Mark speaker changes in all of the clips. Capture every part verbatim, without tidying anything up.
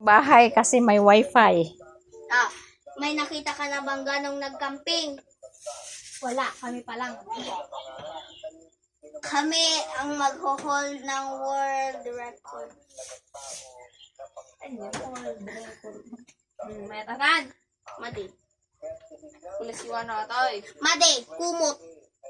Speaker 1: bahay kasi may wifi.
Speaker 2: Ah, may nakita ka na bang ganong nagcamping? Wala, kami pa lang. Kami ang magho-hold ng world record. Ano, world record?
Speaker 3: Hmm, may tanan.
Speaker 2: Madi.
Speaker 3: Pulis iwan na tayo.
Speaker 2: Madi, kumot.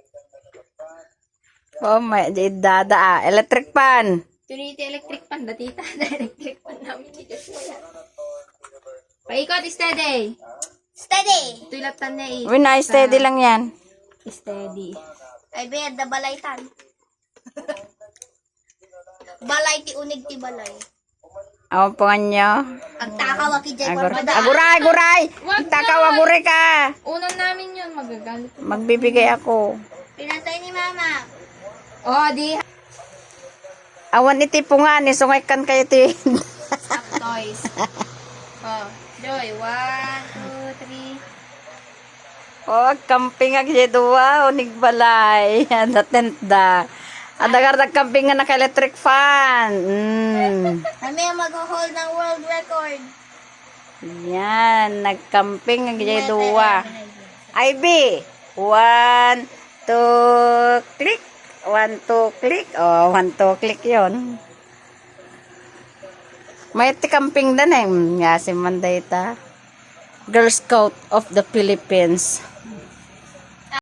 Speaker 1: Oh, may dada ah. Electric pan.
Speaker 3: Tuniti electric pan. Datita na electric pan namin ni Joshua. Paikot, steady.
Speaker 2: Steady!
Speaker 3: Tulatan na eh.
Speaker 1: Uy, na steady lang yan.
Speaker 3: Steady.
Speaker 2: Ay, bed, da balaytan. Balay ti unig ti balay.
Speaker 1: Ang pangan nyo.
Speaker 2: Ang takaw aki dyan.
Speaker 1: Agur
Speaker 2: Agura.
Speaker 1: aguray, aguray!
Speaker 3: Wag
Speaker 1: Takaw,
Speaker 3: na.
Speaker 1: aguray ka!
Speaker 3: Unan namin yun. Magagalit.
Speaker 1: Magbibigay ako.
Speaker 2: Pinatay ni mama.
Speaker 3: Oh, di.
Speaker 1: Awan iti punga ni sungaykan kayo ti.
Speaker 3: Stop toys. Oh, Joy. One, two, three.
Speaker 1: Oh, camping ag dua unig balay. Ada tenda. Ada gar camping nga naka electric fan. Mm.
Speaker 2: Kami ang mag-hold ng world record.
Speaker 1: Yan, nagcamping ag dua. I B. One, two, click. One, two, click. Oh, one, two, click yon. May ti camping dan eh. Nga si Mandayta. Girl Scout of the Philippines.